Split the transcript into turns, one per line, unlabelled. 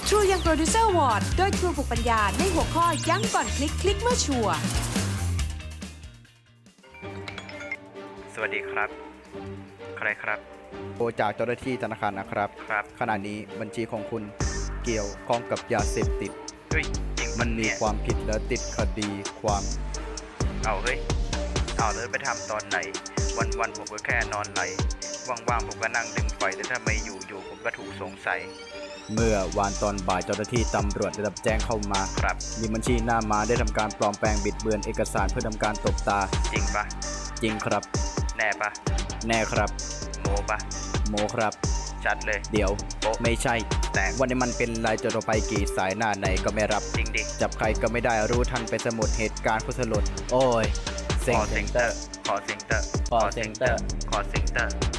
True Young Producer Award โดยครูฝึกปัญญาในหัวข้อยั้งก่อนคลิกคลิกเมื่อชัวร์
สวัสดีครับใครครับ
โทรจากเจ้าหน้าที่ธนาคารนะครับ
ครับ
ขณะนี้บัญชีของคุณเกี่ยวข้องกับยาเสพติด
เฮ้ยจริง
มันมีความผิดและติดคดีความ
เอาเฮ้ยเอาเลยไปทำตอนไหนวันผมก็แค่นอนไหลว่างๆผมก็นั่งดึงไฟแต่ถ้าไม่อยู่ผมก็ถูกสงสัย
เมื่อวานตอนบ่ายเจ้าหน้าที่ตำรวจได้รับแจ้งเข้ามา
ครับ
มีบัญชีหน้าม้าได้ทำการปลอมแปลงบิดเบือนเอกสารเพื่อทำการตบตา
จริงปะ
จริงครับ
แน่ปะ
แน่ครับ
โมปะ
โมครับ
ชัดเลย
เดี๋ยวไม่ใช่
แต่
วันนี้มันเป็นลายจดไปกี่สายหน้าไหนก็ไม่รับ
จริงดิ
จับใครก็ไม่ได้รู้ทันไปสมุดเหตุการณ์ผู้สลดโอ้ย
ขอเซ็งเตอร์